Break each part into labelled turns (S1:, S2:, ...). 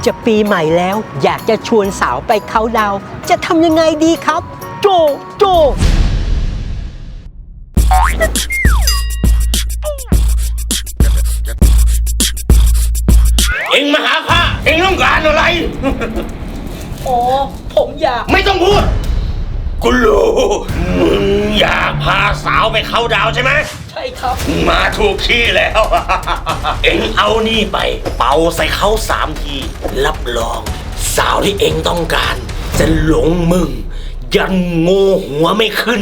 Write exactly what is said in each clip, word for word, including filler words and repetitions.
S1: จะปีใหม่แล้วอยากจะชวนสาวไปเค้าดาวน์จะทำยังไงดีครับโจโจ
S2: เอ็งมาหาข้าเอ็งต้องการอะไร
S1: โอ้ผมอยาก
S2: ไม่ต้องพูดกูรู้มึงอยากพาสาวไปเข้าดาวใช่ไหม
S1: ใช่ครับ
S2: มาถูกที่แล้ว เอ็งเอานี่ไปเป่าใส่เขาสามทีรับรองสาวที่เอ็งต้องการจะหลงมึงยันโง่หัวไม่ขึ้น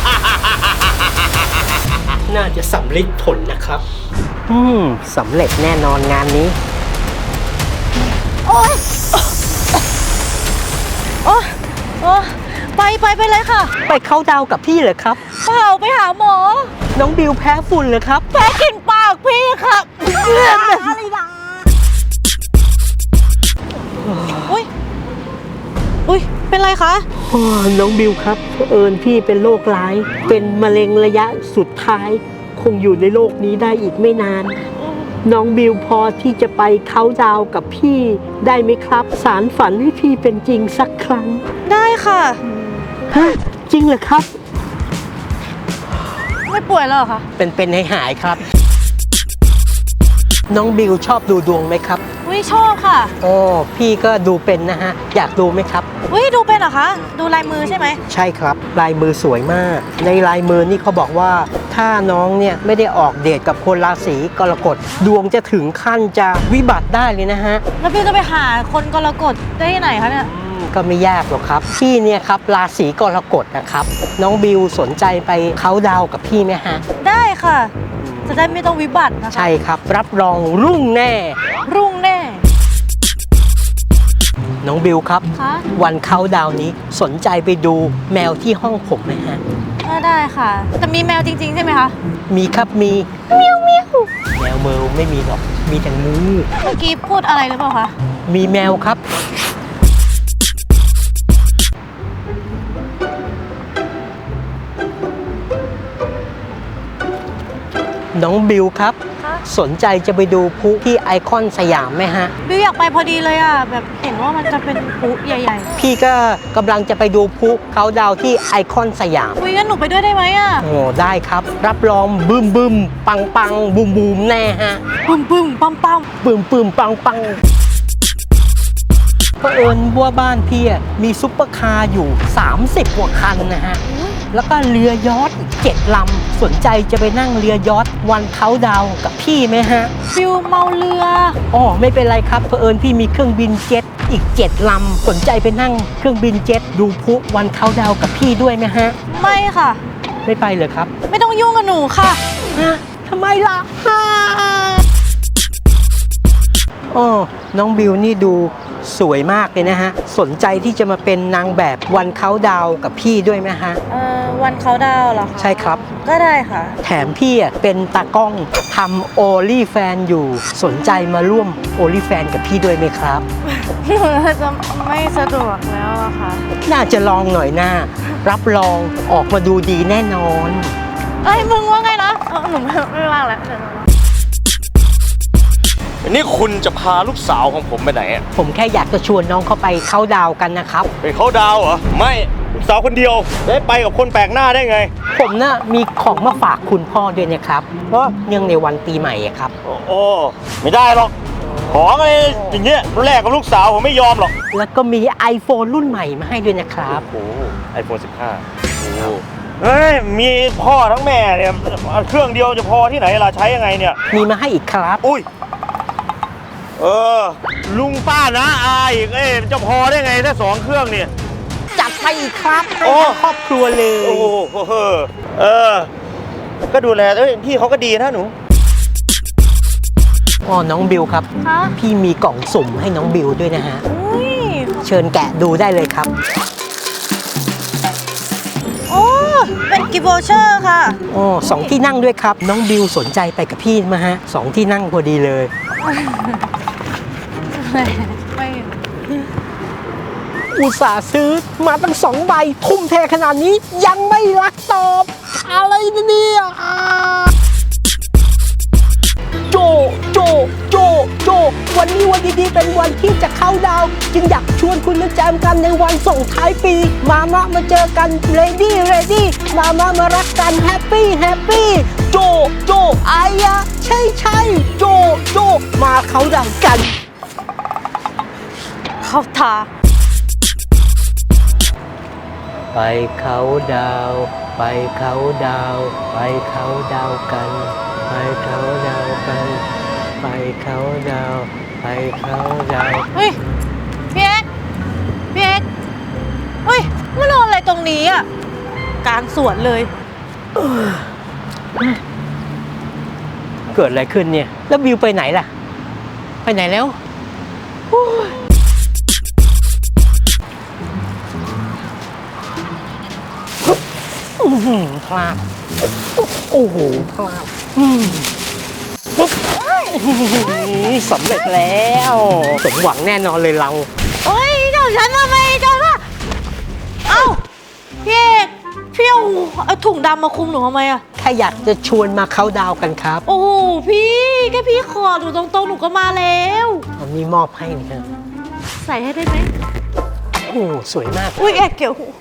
S1: น่าจะสำเร็จผลนะครับอืมสำเร็จแน่นอนงานนี้
S3: โอ๊ยโอ๊ยโอ๊ยไปไปไปเลยค่ะ
S1: ไปเข้าดาวกับพี่เหรอครับ
S3: เปล่าไปหาหมอ
S1: น้องบิวแพ้ฝุ่นเหรอครับ
S3: แพ้กลิ่นปากพี่ครับอะไรนะอุ้ยอุ้ยเป็นไรคะ
S1: น้องบิวครับเผอิญพี่เป็นโรคร้ายเป็นมะเร็งระยะสุดท้ายคงอยู่ในโลกนี้ได้อีกไม่นานน้องบิวพอที่จะไปเค้าดาวกับพี่ได้ไหมครับสารฝันให้พี่เป็นจริงสักครั้ง
S3: ได้ค่ะ
S1: ฮะจริงเหรอครับ
S3: ไม่ป่วยแล้วเหรอคะ
S1: เป็นเป็นให้หายครับน้องบิวชอบดูดวงไหมครับ
S3: อุ้ยชอบค่ะ
S1: โอ้พี่ก็ดูเป็นนะฮะอยากดูไหมครับ
S3: อุ้ยดูเป็นเหรอคะดูลายมือใช่ไหม
S1: ใช่ครับลายมือสวยมากในลายมือนี่เขาบอกว่าถ้าน้องเนี่ยไม่ได้ออกเดทกับคนราศีกรกฎดวงจะถึงขั้นจะวิบัติได้เลยนะฮะ
S3: แล้วพี่จะไปหาคนกรกฎได้ที่ไหนคะเนี่ย
S1: ก็ไม่ยากหรอกครับพี่เนี่ยครับราศีกรกฎนะครับน้องบิวสนใจไปเค้าดาวกับพี่ไหมฮะ
S3: ได้ค่ะจะได้ไม่ต้องวิบัตินะคะ
S1: ใช่ครับรับรองรุ่งแน่
S3: รุ่งแน่
S1: น้องบิวครับวันเค้าดาวนี้สนใจไปดูแมวที่ห้องผมไหมฮะ
S3: ก็ได้ค่ะแต่มีแมวจริงๆใช่ไหมคะ
S1: มีครับมี
S3: เมียวเมียว
S1: แมวเมลไม่มีหรอกมีแต่งู
S3: เมื่อกี้พูดอะไรหรือเปล่าคะ
S1: มีแมวครับน้องบิวครับสนใจจะไปดูพลุที่ไอคอนสยามไหมฮะ
S3: บิวอยากไปพอดีเลยอ่ะแบบเห็นว่ามันจะเป็นพลุใหญ่ๆ
S1: พี่ก็กำลังจะไปดูพลุเค้าดาวที่ไอคอนสยาม
S3: อุ้ยงั้นหนูไปด้วยได้ไหมอ่ะ
S1: โอ้ได้ครับรับรองบึ้มบึ้มปังปังบูมบูมแน่ฮะ
S3: บึ้มบึ้มปั๊มปั๊ม
S1: บึ้มบึ้มปังปังเผอิญว่าบ้านพี่มีซุปเปอร์คาร์อยู่สามสิบกว่าคันนะฮะแล้วก็เรือยอชต์อีกเจ็ดลำสนใจจะไปนั่งเรือยอชต์วันเค้าดาวกับพี่ไหมฮะ
S3: ฟิวเมาเรือ
S1: อ๋อไม่เป็นไรครับเผอิญพี่มีเครื่องบินเจ็ตอีกเจ็ดลำสนใจไปนั่งเครื่องบินเจ็ตดูพลุวันเค้าดาวกับพี่ด้วยไหมฮะ
S3: ไม่ค่ะ
S1: ไม่ไปเลยครับ
S3: ไม่ต้องยุ่งกับหนูค่ะ
S1: ฮะทำไมล่ะอ๋อน้องบิวนี่ดูสวยมากเลยนะฮะสนใจที่จะมาเป็นนางแบบวันเค้าดาวกับพี่ด้วยไหมฮะ
S3: เอ่อวันเค้าดาวเหรอคะ
S1: ใช่ครับ
S3: ก็ได้ค่ะ
S1: แถมพี่อ่ะเป็นตากล้องทำโอลี่แฟนอยู่สนใจมาร่วมโอลี่แฟนกับพี่ด้วยไหมครับ
S3: จะไม่สะดวกแล้วอะค่ะ
S1: น่าจะลองหน่อยหน้ารับรองออกมาดูดีแน่นอน
S3: เอ้ยมึงว่าไงนะหนูไม่ว่างแล้ว
S2: นี่คุณจะพาลูกสาวของผมไปไหนอ่ะ
S1: ผมแค่อยากจะชวนน้องเข้าไปเค้าดาวกันนะครับ
S2: ไปเค้าดาวเหรอไม่ลูกสาวคนเดียวได้ไปกับคนแปลกหน้าได้ไง
S1: ผมน่ะมีของมาฝากคุณพ่อด้วยนะครับเพราะเนื่องในวันปีใหม่ครับ
S2: โอ้ไม่ได้หรอกของอะไรอย่างเงี้ยแรกกับลูกสาวผมไม่ยอมหรอก
S1: แล้วก็มี iPhone รุ่นใหม่มาให้ด้วยนะครับ
S2: โอ้ไอโฟนสิบห้าโอ้เฮ้ยมีพ่อทั้งแม่เนี่ยเครื่องเดียวจะพอที่ไหนล่ะใช้ยังไงเนี่ย
S1: มีมาให้อีกครับ
S2: อุ้ยเออลุงป้านะอาอีกเอ๊ะจะพอได้ไงถ้าสองเครื่องเนี่ย
S1: จัดไปอีกครับให้ครอบครัวเลย
S2: โอ้โหเออก็ดูแลเอ้ยพี่เขาก็ดีนะหนู
S1: อ๋อน้องบิวครับพี่มีกล่องสุ่มให้น้องบิวด้วยนะฮะเชิญแกะดูได้เลยครับ
S3: โอ้เป็นกิฟต์วอเชอร์ค่ะ
S1: อ๋อสองที่นั่งด้วยครับน้องบิวสนใจไปกับพี่มาฮะสองที่นั่งพอดีเลย
S3: ไม่
S1: อุตส่าห์ซื้อมาตั้งสองใบทุ่มเทขนาดนี้ยังไม่รักตอบอะไรเนี่ยโจโจโจโจโจวันนี้วันดีๆเป็นวันที่จะเข้าดาวน์จึงอยากชวนคุณมาแจมกันในวันส่งท้ายปี มามามาเจอกันเรดี้เรดี้มามามารักกันแฮปปี้แฮปปี้โจโจอายะใช่ใช่โจโจมาเข้าดาวน์กัน
S3: เข้าทา
S1: ไปเขาดาวไปเขาดาวไปเขาดาวกัน ไปเขาดาวกัน ไปเขาดาวไปเขาดาว
S3: เฮ้ยพี่เอ็กพี่เอ็กเฮ้ยมานอนอะไรตรงนี้อ่ะกลางสวนเลย
S1: เกิดอะไรขึ้นเนี่ย แล้วบิวไปไหนล่ะ ไปไหนแล้วโอ้ยอื้อหือพลาดโอ้โหพลาดอืมปุ๊บสำเร็จแล้วสมหวังแน่นอนเลยเรา
S3: เฮ้ยเจ้าฉันทำไมเจ้าล่ะเอ้าพี่เอกพี่เอาเอาถุงดำมาคลุมหนูทำไมอ่ะ
S1: แค่อยากจะชวนมาเข้าดาวกันครับ
S3: โอ้โหพี่แค่พี่ขอหนูตรงๆหนูก็มาแล้ว
S1: อันนี้มอบให้นะครับ
S3: ใส่ให้ได้ไหม
S1: โอ้สวยมาก
S3: อุ้ยแอกเกี่ยวหู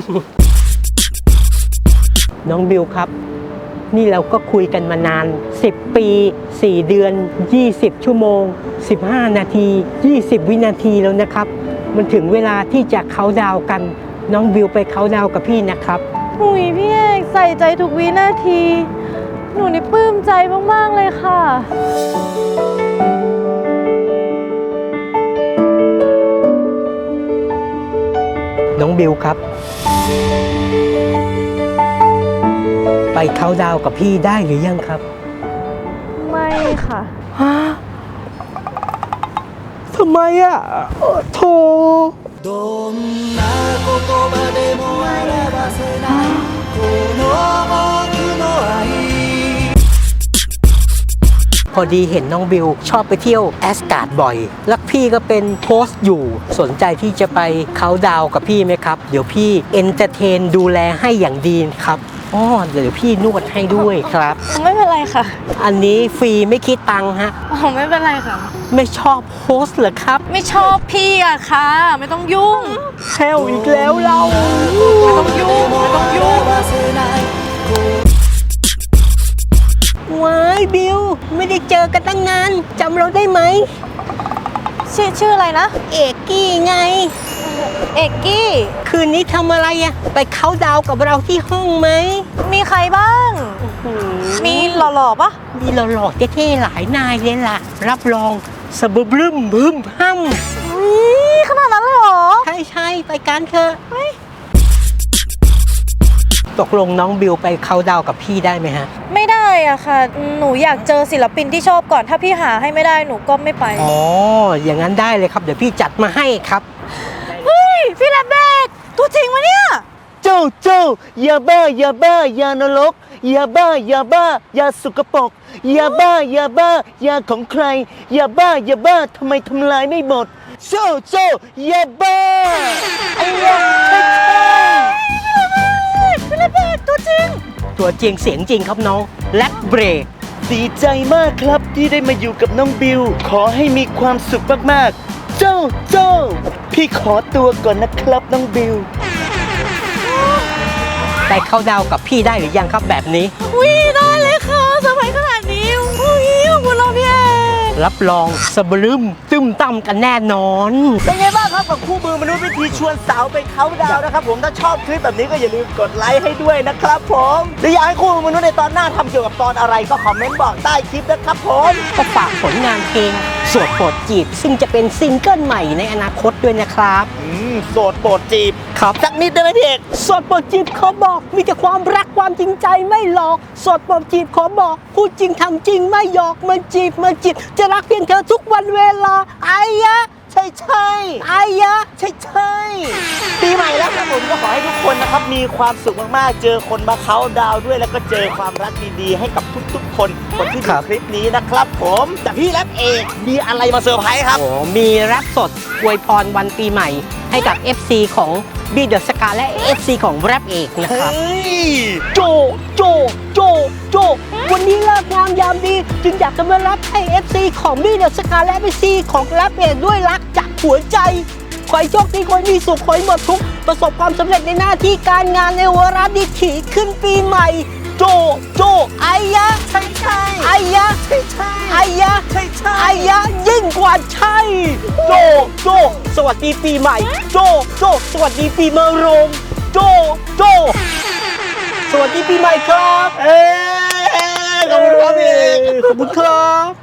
S1: น้องบิวครับ นี่เราก็คุยกันมานาน สิบ ปี สี่ เดือน ยี่สิบ ชั่วโมง สิบห้า นาที ยี่สิบ วินาทีแล้วนะครับ มันถึงเวลาที่จะเขาน์ดาวน์กัน น้องบิวไปเขาน์ดาวน์กับพี่นะครับ
S3: อุ้ยพี่เอกใส่ใจทุกวินาที หนูนี่ปลื้มใจมากๆเลยค่ะ
S1: น้องบิวครับ ไปเขาน์ดาวน์กับพี่ได้หรือยังครับ
S3: ไม่ค่ะ
S1: ฮะทำไมอ่ะเอ่อโธ่
S4: どんな言葉でも表せないこの僕の愛
S1: พอดีเห็นน้องบิวชอบไปเที่ยวแอสการ์ดบ่อย แล้วพี่ก็เป็นโค้ชอยู่ สนใจที่จะไปเขาน์ดาวน์กับพี่ไหมครับ เดี๋ยวพี่เอนเตอร์เทนดูแลให้อย่างดีครับอ๋อเดี๋ยวพี่นวดให้ด้วยครับ
S3: ไม่เป็นไรค่ะ
S1: อันนี้ฟรีไม่คิดตังค์ฮะ
S3: อ๋อไม่เป็นไรค่ะ
S1: ไม่ชอบโค้ชเหรอครับ
S3: ไม่ชอบพี่อะค่ะ ไม่ต้องยุ่ง
S1: แฮวอีกแล้วเรา
S3: ไม่ต้องยุ่ง ไม่ต้องยุ่ง
S4: 表せない
S1: ว้ายบิวไม่ได้เจอกันตั้งนานจำเราได้ไหม
S3: ชื่อชื่ออะไรนะ
S1: เอกกี้ไง
S3: เอกกี้
S1: คืนนี้ทำอะไรอะไปเขาน์ดาวน์กับเราที่ห้องไหม
S3: มีใครบ้าง มีหล่อๆปะ
S1: มีหล่อๆเท่ๆหลายนายเลยล่ะ รับรองสะบึบรึมบึมห้ำ
S3: อุ๊ยขนาดนั้นเลยเหรอ
S1: ใช่ใช่ๆไปกันเถอะตกลงน้องบิวไปเขาน์ดาวน์กับพี่ได้ไหมฮะ
S3: ไม่ได้อะค่ะ หนูอยากเจอศิลปินที่ชอบก่อน ถ้าพี่หาให้ไม่ได้หนูก็ไม่ไป
S1: อ๋อ อย่างนั้นได้เลยครับ เดี๋ยวพี่จัดมาให้ครับ
S3: เฮ้ย พี่แลบเบกตัวจริงวะเนี่ย
S4: เจ้าเจ้าอย่าบ้าอย่าบ้าอย่านรกอย่าบ้าอย่าบ้าอย่าสุกปรกอย่าบ้าอย่าบ้าอย่าของใครอย่าบ้าอย่าบ้าทำไมทำลายไม่หมดเจ้าเจ้าอย่าบ้าไอ้ยาใช่ใช่
S3: พี่แลบเบกตัวจริง
S1: ตัวจริงเสียงจริงครับน้องแลกเบรก
S4: ดีใจมากครับที่ได้มาอยู่กับน้องบิว ขอให้มีความสุขมากๆ เจ้าเจ้าพี่ขอตัวก่อนนะครับน้องบิว
S1: ไปเข้าน์ดาวน์กับพี่ได้หรือยังครับแบบนี้
S3: อุ้ยได้เลยค่ะสบายขนาดนี้อุ้ยขอบคุณเราพี่เอก
S1: รับรองสะบรึมตึมตั้มกันแน่นอน
S4: เป็นไงบ้างครับกับคู่มือมนุษย์วิธีชวนสาวไปเขาน์ดาวน์นะครับผมถ้าชอบคลิปแบบนี้ก็อย่าลืมกดไลค์ให้ด้วยนะครับผมหรืออยากให้คู่มือมนุษย์ในตอนหน้าทำเกี่ยวกับตอนอะไรก็คอมเมนต์บอกใต้คลิปนะครับผม
S1: ก็ฝากผลงานเพลงสวดโปรดจีบ ซึ่งจะเป็นซิงเกิลใหม่ในอนาคตด้วยนะครับ
S4: อืมโสดโปรดจีบ
S1: ครับ
S4: สักนิดได้ไหมพี่เอก
S1: สวดโปรดจีบขอบอกมีแต่ความรักความจริงใจไม่หลอกสวดโปรดจีบขอบอกพูดจริงทำจริงไม่หยอกมาจีบมาจีบจะรักเพียงเธอทุกวันเวลาอายะ
S4: ใช่ใช่
S1: อายะ
S4: ใช่ใช่ปีใหม่แล้วครับผมก็ขอให้ทุกคนนะนะครับมีความสุขมากๆ เจอคนมาเขาน์ดาวน์ด้วยแล้วก็เจอความรักดีๆ ให้กับทุกๆ คนคนที่
S1: ค
S4: ดู
S1: รับ
S4: คลิปนี้นะครับผมแต่พี่แรปเอกมีอะไรมาเซอร์ไพรส์ครับ
S1: โอ้มีแรปสดอวยพรวันปีใหม่ให้กับ เอฟ ซี ของบีเดอะสกาและ เอฟ ซี ของแรปเอกนะครับ
S4: เฮ้ย
S1: โจ โจ โจ โจ วันนี้เลิกงามยามดี จึงอยากจะมารับให้ เอฟ ซี ของบีเดอะสกาและ เอฟ ซี ของแรปเอกด้วยรักจากหัวใจ ขอให้โชคดีขอให้มีสุขขอให้หมดทุกข์ประสบความสำเร็จในหน้าที่การงานในวาระดีถีขึ้นปีใหม่ โจ โจไอ้ยะ
S4: ใช่ใช่
S1: ไอ้ยะ
S4: ใช่ใช่
S1: ไอ้ยะ
S4: ใช่ใช่
S1: ไอ้ยะยิ่งกว่าใช่ โจ โจ สวัสดีปีใหม่ โจ โจ สวัสดีปีมะโรงโจ โจ สวัสดีปีใหม่ครับ
S4: เอ้ยขอบคุณครับพี่เอก
S1: ขอบคุณครับ